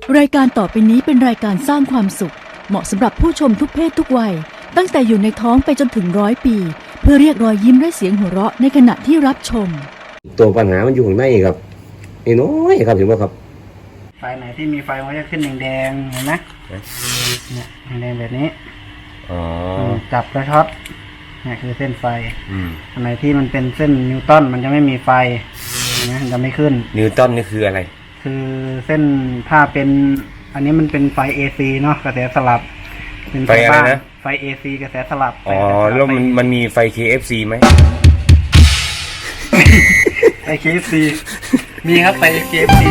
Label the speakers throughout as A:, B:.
A: รายการต่อไปนี้เป็นรายการสร้างความสุขเหมาะสำหรับผู้ชมทุกเพศทุกวัยตั้งแต่อยู่ในท้องไปจนถึง100 ปีเพื่อเรียกรอยยิ้มและเสียงหัวเราะในขณะที่รับชม
B: ตัวปัญหามันอยู่ข้างในครับน้อยครับเห็นไหมครับ
C: ไฟไหนที่มีไฟมันจะขึ้นแดงๆเห็นไหมเนี่ยแดงแบบนี้จับแล้วช็อตเนี่ยคือเส้นไฟอันไหนที่มันเป็นเส้นนิวตันมันจะไม่มีไฟเห็นไหมมันจะไม่ขึ้น
B: นิวตันนี่คืออะไร
C: คือเส้นถ้าเป็นอันนี้มันเป็นไฟ AC เนาะกระแสสลับ
B: เป็นไฟอะไรนะ
C: ไฟ AC กระแสสลับ
B: อ๋อแล้วมันมีไฟ KFC ไหม
C: ไฟ KFC มีครับไฟ KFC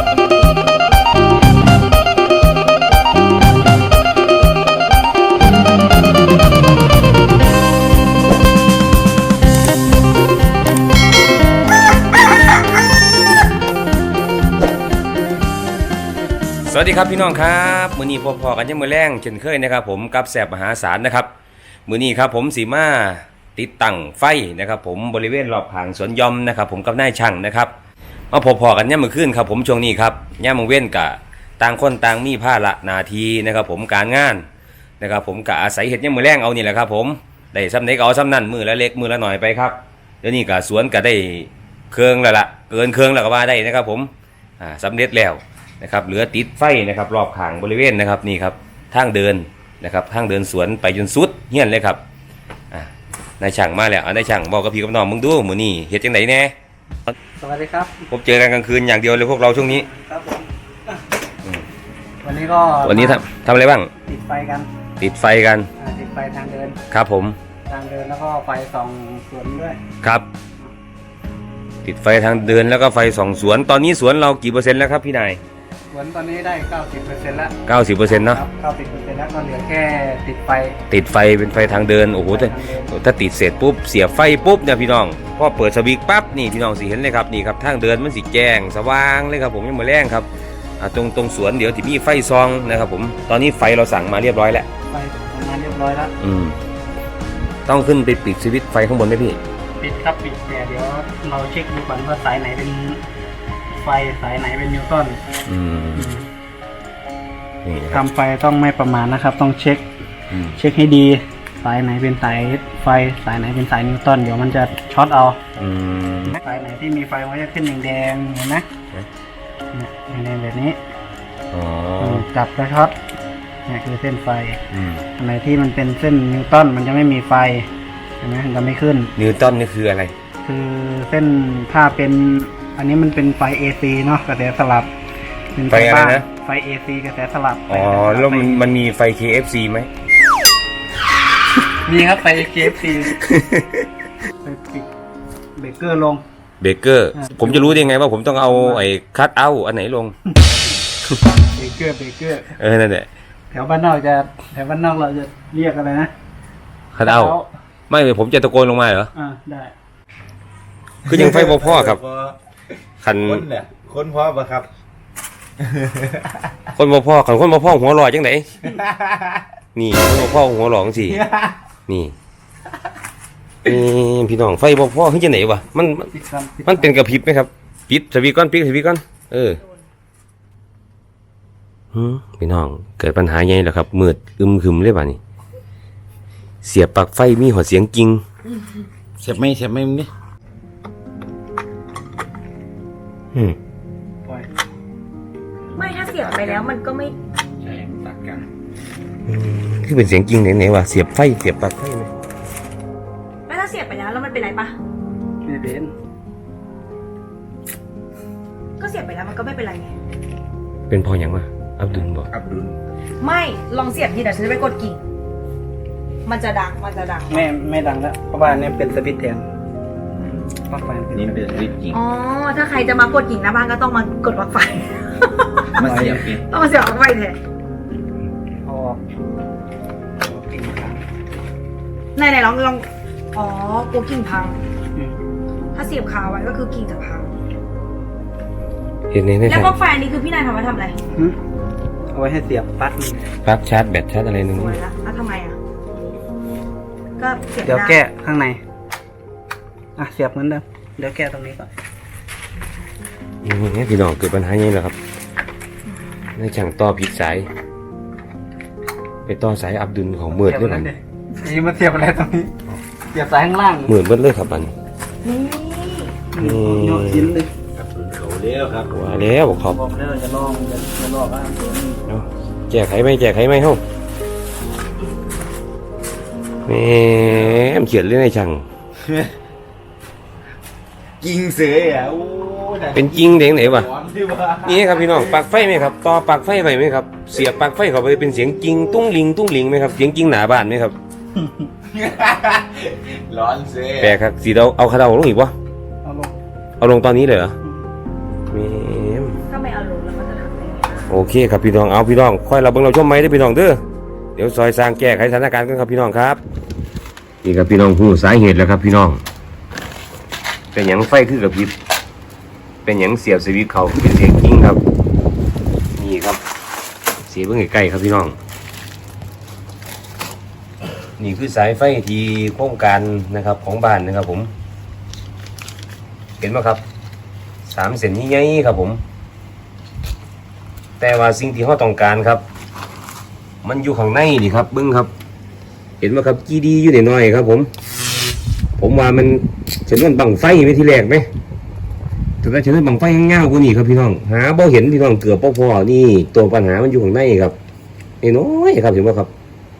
B: สวัสดีครับพี่น้องครับมื้อนี้พอๆกันยังมื้อแรงเช่นเคยนะครับผมกับแสบมหาศาลนะครับมื้อนี้ครับผมสีมาติดตั้งไฟนะครับผมบริเวณรอบหางสวนยอมนะครับผมกับนายช่างนะครับมาพอๆกันยังมื้อคืนครับผมช่วงนี้ครับย่ามมื้อเว้นกะต่างคนต่างมีภาระหน้าที่นะครับผมการงานนะครับผมกะอาศัยเฮ็ดยังมื้อแรงเอานี่แหละครับผมได้ซ้ำไหนก็เอาซ้ำนั่นมื้อละเล็กมื้อละหน่อยไปครับเดี๋ยวนี้กะสวนกะได้เครื่องแล้วล่ะเกินเครื่องแล้วก็ว่าได้นะครับผมสำเร็จแล้วนะครับเหลือติดไฟนะครับรอบข้างบริเวณนะครับนี่ครับทางเดินนะครับทางเดินสวนไปจนสุดเฮี้ยนเลยครับนายช่างมาแล้วนายช่างบอกกับพี่กับน้องมึงดูมื้อนี้เฮ็ดจังไดแน่
C: สวัสดีครับ
B: ผมเจอกันกลางคืนอย่างเดียวเลยพวกเราช่วงนี้
C: ครับผมวันนี้
B: ทำอะไรบ้าง
C: ติดไฟกัน
B: ติดไฟกัน
C: ติดไฟทางเดิน
B: ครับผม
C: ทางเดินแล้วก็ไฟส่องสวนด้วย
B: ครับติดไฟทางเดินแล้วก็ไฟส่องสวนตอนนี้สวนเรากี่เปอร์เซ็นต์แล้วครับพี่นาย
C: สวนตอนนี้ได้ 90% แล้ว
B: 90%เนาะ
C: 90% แล้วก็เหลือแค่ติดไฟ
B: เป็นไฟทางเดินโอ้โหถ้าติดเสร็จปุ๊บเสียบไฟปุ๊บเนี่ยพี่น้องพอเปิดสวิตช์ปั๊บนี่พี่น้องสิเห็นเลยครับนี่ครับทางเดินมันสิแจ้งสว่างเลยครับผมยังมาแรงครับตรงสวนเดี๋ยวที่มีไฟซองนะครับผมตอนนี้ไฟเราสั่งมาเรียบร้อยแล้ว
C: ไฟมาเรียบร้อยแล้ว
B: ต้องขึ้นไปปิดสวิตช์ไฟข้างบนไหมพี่
C: ปิดครับปิดแต่เดี๋ยวเราเช็คดูก่อนว่าสายไหนเป็นไฟสายไหนเป็นนิวตันทำไฟต้องไม่ประมาณนะครับต้องเช็คให้ดีสายไหนเป็นสายไฟสายไหนเป็นสายนิวตันเดี๋ยวมันจะช็อตเอาสายไหนที่มีไฟมันจะขึ้นแดงๆเห็นไหมแดงแบบนี้จับแล้วช็อตนี่คือเส้นไฟอันไหนที่มันเป็นเส้นนิวตันมันจะไม่มีไฟเห็นไหมมันจะไม่ขึ้น
B: นิวตันนี่คืออะไร
C: คือเส้นถ้าเป็นอันนี้มันเป็นไฟ AC เนาะกระแสสลับ
B: เป็นไฟอะไรนะ
C: ไฟ AC กระแสสลับ
B: อ๋อแล้วมันมีไฟ KFC ไหม
C: มีครับไฟ KFC ไปปิดเบรกเกอร์ลง
B: เบรกเกอร์ผมจะรู้ได้ไงว่าผมต้องเอาไอ้คัทเอาท์อันไหนลง
C: เบรกเกอร์
B: นั่นแหละ
C: แถวบ้านนอกเราจะเรียกอะไรนะ
B: คัทเอาท์ไม่เลยผมจะตะโกนลงมาเหรอ
C: ได้
B: คือยังไฟพ่อครับคัน
D: คนพ่อปะครับ
B: คนพ่อขันคนพ่อหัวลอยจังไหนนี่คนพ่อหัวหลองสินี่พี่น้องไฟพ่อขึ้นจังไหนวะมันเป็นกระพริบไหมครับปิดสวิตช์ก่อนพี่น้องเกิดปัญหาใหญ่แล้วครับมืดครึมเลยป่ะนี่เสียบปลั๊กไฟมีหัวเสียงกิ้ง
D: เสียบไม่มึงนี่
E: ไม่ถ้าเสียบไปแล้วมันก็ไม่
D: ใช่ตัดกัน
B: คือเป็นเสียงจริงไหนวะเสียบปลั๊กไฟไหม
E: ไม่ถ้าเสียบไปแล้วมันเป็นไรปะ
C: ไม่เป็น
E: ก็เสียบไปแล้วมันก็ไม่เป็นไรไง
B: เป็นพออย่างวะอับดุลบอก
E: ไม่ลองเสียบทีเดี๋ยวฉันจะไปกดกิ่งมันจะดัง
C: ไม่ดังแล้วเพราะว่านี่เป็นสวิตช์แทนปลั๊กไฟ
D: นี่เป็นสวิตช์กิ่ง
E: อ๋อถ้าใครจะมากดกิ่งหน้าบ้านก็ต้องมากดปลั๊กไฟ
D: มาเสียบ
E: ต้องมาเสียบปลั๊กไฟแทนไหนลองอ๋อกลัวกิ่งพังถ้าเสียบคาไว้ก็คือกิ่งจะพังแล้วปลั๊กไฟอันนี้คือพี่นายทำไว้ทำอะไร
C: เอาไว้ให้เสียบปลั๊
B: กชาร์จแบตชาร์จอะไรนึง
E: สวยแล้วทำไมก็เสียบ
C: เดี๋ยวแก้ข้างในเสียบเหมือนเดิมเดี๋ยวแก้ตรงนี้ก่อน
B: นี่พี่น้องเกิดปัญหาอย่างนี้แหละครับในช่างต่อผิดสายไปต่อสายอับดุลของมืดด้วยมัน
C: นี่มาเสียบอะไรตรงนี้เสียบสายข้างล่าง
B: มืดเบิดเลยครับมัน
E: นี่
C: โยนชิ้นเลย
D: ครับเขาเลี้ยวครับ
B: ว่าแล้วบอกขอบ
C: บอกแล้วจะลองจะลอกอ่ะ
B: เอาแจกไขไหมแจกไขไหมเฮ้าแหมเขียนเรื่องในช่าง
D: ยิงเสืออ่ะโอ้ย
B: เป็นจริงเด้งไหนวะ
D: ร้อนที่ว่า
B: นี่ครับพี่น้องปลั๊กไฟไหมครับต่อปลั๊กไฟไปไหมครับเสียบปลั๊กไฟเข้าไปเป็นเสียงจริงตุ้งลิงตุ้งลิงไหมครับเสียงจริงหนาบ้านไหมครับ
D: ร้อนเสือ
B: แปลกครับสีเราเอาคาราโอลงอีกวะ
C: เอาลง
B: เอาลงตอนนี้เลยเหรอแหม
E: ถ้าไม่เอาลงแล้วมันจะทำได้ไง
B: โอเคครับพี่น้องเอาพี่น้องค่อยเราเบิ่งเราชมไหมได้อพี่น้องเด้อเดี๋ยวซอยสร้างแก้ไขสถานการณ์กันครับพี่น้องครับนี่ครับพี่น้องผู้สาเหตุแล้วครับพี่น้องเป็นหยังไฟคือกับพริบเป็นหยังเสียบสวิตช์เขาเป็นเสียงกิ้งครับนี่ครับเสียบเบิ่งใกล้ๆครับพี่น้องนี่คือสายไฟที่โครงการนะครับของบ้านนะครับผมเห็นไหมครับ3 เส้นใหญ่ๆครับผมแต่ว่าสิ่งที่เราต้องการครับมันอยู่ข้างในนี่ครับเบิ้งครับเห็นไหมครับจีดีอยู่น้อยๆครับผมว่ามันฉันนั่นบังไฟไปที่แรกไหมแต่ว่าฉันนั่นบังไฟเงาๆกว่านี่ครับพี่น้องหาบ่เห็นพี่น้องเกือบพอนี่ตัวปัญหามันอยู่ข้างในครับน้อยๆครับเห็นไหมครับ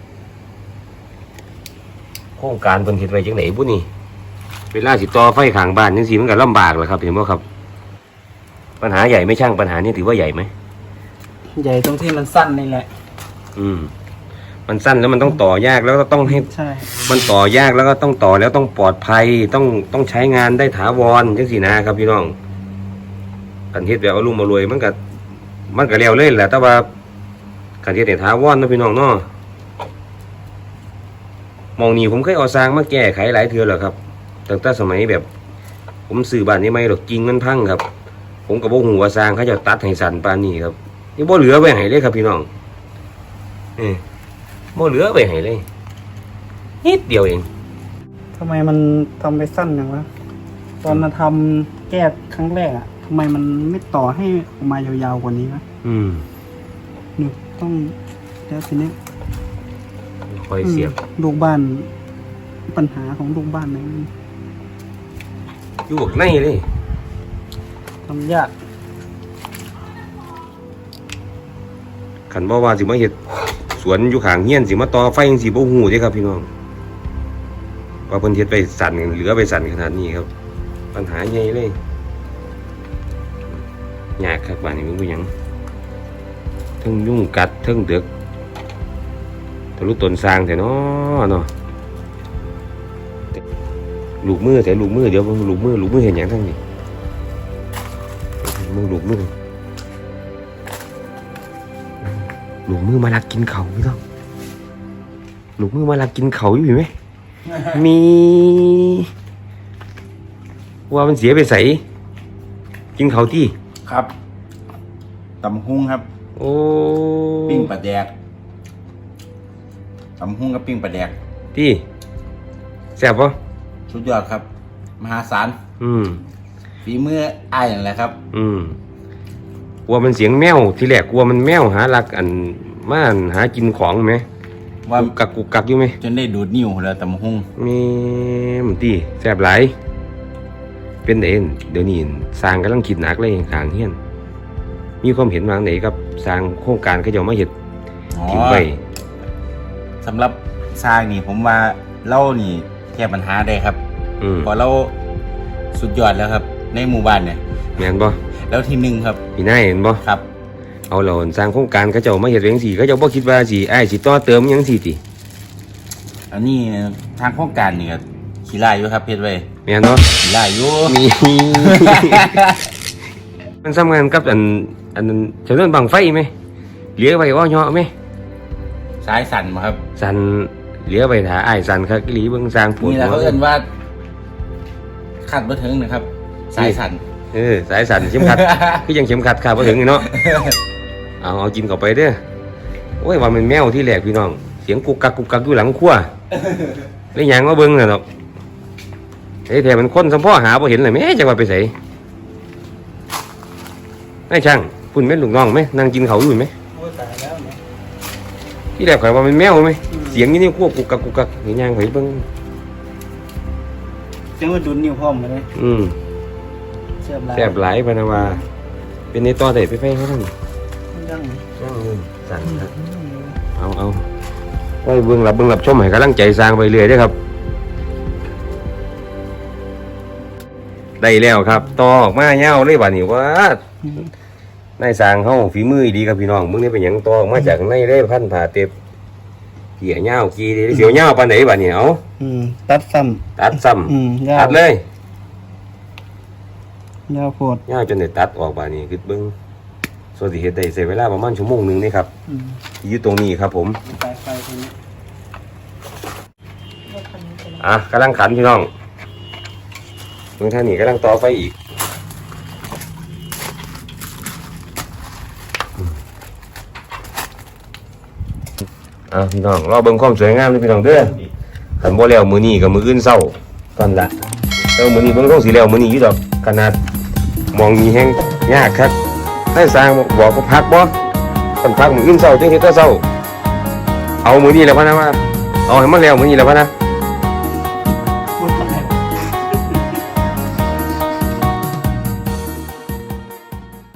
B: โครงการเพิ่นเฮ็ดไว้จังไหนบุนี่เวลาสิต่อไฟข้างบ้านจังซี่มันก็ลำบากแหละครับเห็นบ่ครับปัญหาใหญ่ไม่ช่างปัญหานี้ถือว่าใหญ่ไหม
C: ใหญ่ตรงที่มันสั้นนี่แหละ
B: มันสั้นแล้วมันต้องต่อยากแล้วก็ต้องให้
C: ใช่
B: มันต่อยากแล้วก็ต้องต่อแล้วต้องปลอดภัยต้องใช้งานได้ถาวรจังสินะครับพี่น้องกันเฮ็ดแบบเอาลุ่มมารวยมันก็แล้วเลยแหละแต่ว่ากันเฮ็ดให้ถาวรนะพี่น้องเนาะมองนี่ผมเคยเอาสร้างมาแก้ไขหลายเทื่อแล้วครับตั้งแต่สมัยแบบ ผมซื้อบ้านนี้ไม่หรอกจริงมันพังครับ ผมก็บ่ฮู้ว่าสร้างเขาจะตัดให้สั่นปานนี้ครับนี่บ่เหลือไว้ให้เลยครับพี่น้องบ่เหลือไว้ให้เลยนิดเดียวเอง
C: ทำไมมันทำไปสั้นอย่างวะตอนมาทำแก้ครั้งแรกอ่ะทำไมมันไม่ต่อให้ออกมายาวๆกว่านี้วะหนูต้องแล้วทีนี้
B: คอยเสียบ
C: ลูกบ้านปัญหาของลูกบ้านไหน
B: อยู่ข้างในเลย
C: ทำยาก
B: ขันบ่ว่าสิมาเฮ็ดสวนอยู่ข้างเฮียนสิมาต่อไฟจังสิบ่ฮู้เด้ครับพี่น้องว่าเพิ่นเฮ็ดไปสั่นเหลือไปสั่นขนาดนี้ครับ ปัญหาใหญ่เลยยากครับบ้านนี้มันบ่หยังเทั้งยุ่งกัดเทั้งเดือกทะลุต้นสร้างแท้เนาะลูกมือแต่ลูกมือเดี๋ยวลูกมือเห็นหยังทั้งนี้ลูกมือมาลักกินเขาพี่ต้องลูกมือมาลักกินเขาอยู่ไหม มีว่ามันเสียไปใส่กินเขาที่
D: ครับตำหุ้งครับ
B: โอ้
D: ปิ้งปลาแดกตำหุ้งกับปิ้งปลาแดก
B: ที่แซ่บปะ
D: สุดยอดครับ มหาศาล ฝีมืออ้ายนั่นแหละครับ
B: กลัวมันเสียงแมวที่แรกกลัวมันแมวหาลักอันมาหากินของไหม
D: ว่า
B: กุกกักอยู่ไหม
D: จนได้ดูดนิ้วแล้วตำหุ้ง
B: มีมันตีแซ่บหลายเป็นเด่นเดี๋ยวนี้สร้างกำลังคิดหนักเลยข้างเฮียนมีความเห็นวางไหนครับสร้างโครงการเขาจะมาเห็ด
D: อ๋อ
B: ทิ้งไว้
D: สำหรับสร้างนี่ผมว่าเล่านี่แก้ปัญหาได้ครับเพอเราสุดยอดแล้วครับ ในหมู่บ้านเนี่ย
B: แม่นบ่
D: แล้วที่หนึ่งครับ
B: พี่นายเห็นบ่
D: ครับ
B: เอาเราสร้างโครงการเขาเจ้ามาเห็ดเองสิเขาเจ้าบ่คิดว่าสิอ้ายสิต่อเติมหยังสิติ
D: อันนี้ทางโครงการนี่ก็ขี้ไล่อยู่ครับเพชรไว้
B: แม่นบ่
D: ขี้ไล่อยู่
B: มี มันสำคัญกับอันนั้นเฉลิมบังไฟไหมเหลือไว้ว่าเหาะไหม
D: สายสั่นมาครับ
B: สั่นเหลือไว้ถ้าอ้ายสั่นคักอีหลีเบิ่งสร้างปวด
D: นี่แหละ
B: หัว
D: เขาเอิ้นว่าคาดบ่ถึงนะครับ สายสั่น
B: สายสั่นเข็มขัด คือยังเข็มขัดขาดบ่ถึงนี่เนาะ เอากินเข้าไปเด้อโอ้ยว่ามันแมวที่แรกพี่น้อง เสียงกุกกักอยู่หลังครัวได้หยังมาเบิ่งน่ะเนาะแท้มันคนสมพ่อหาบ่เห็นเลยแม่จังว่าไปไสนายช่างคุณแม่ลูกน้องไหมนั่งกินเขาวอยู่ไหม
C: โอ้ตายแล้วเนี่ย
B: ที่แรกข่อยว่ามันแมวไหมเสียงนี่ควบกุกกักเห็นยังข่อยเบิ่ง
C: เสียงว่าดุนนิ้วพร้อมมาเลย เสียบลาย
B: แซ่บหลายพะนะว่าเป็นในต่อได้ไปเขาทั้ง
C: ยัง
B: สั่งครับเอาไว้เบิ่งรับชมให้กำลังใจสร้างไปเรื่อยเด้อครับได้แล้วครับต่อออกมาเงาเลยบัดนี้ว่านายสร้างเฮาฝีมือดีครับพี่น้องมึงนี่เป็นหยังต่อออกมาจากในได้พันผ่าเต็บเกี่ยเงากี่เสียวเงาปานไหนบัดนี้เอา
C: ตัดซ้
B: ตัดซ้
C: ำ
B: ำตัดเลย
C: ยาวโพด
B: เงาจนได้ตัดออกบัดนี้คือเบิ่งส่วนที่เฮ็ดได้ใช้เวลาประมาณชั่วโมงนึงนี่ครับอยู่ตรงนี้ครับผม
C: สายไฟตัวนี้
B: กำลังขันพี่น้องเมืองท่านี่กำลังต่อไฟอีกพี่น้องรอเบิ่งความสวยงามเลยพี่น้องเด้อขันบ่แล้วมื้อนี้กับมื้ออื่นเช้าตอนละแล้วมื้อนี้เบิ่งต้องสิแล้วมื้อนี้อยู่ดอกขนาดมองมีแฮงยากครับให้สร้างบอกว่าพักบ่คันพักมื้ออื่นเช้าจังเฮ็ดแต่เช้าเอามื้อนี้แล้วพะนะว่าเอาให้มันแล้วมื้อนี้แล้วพะนะ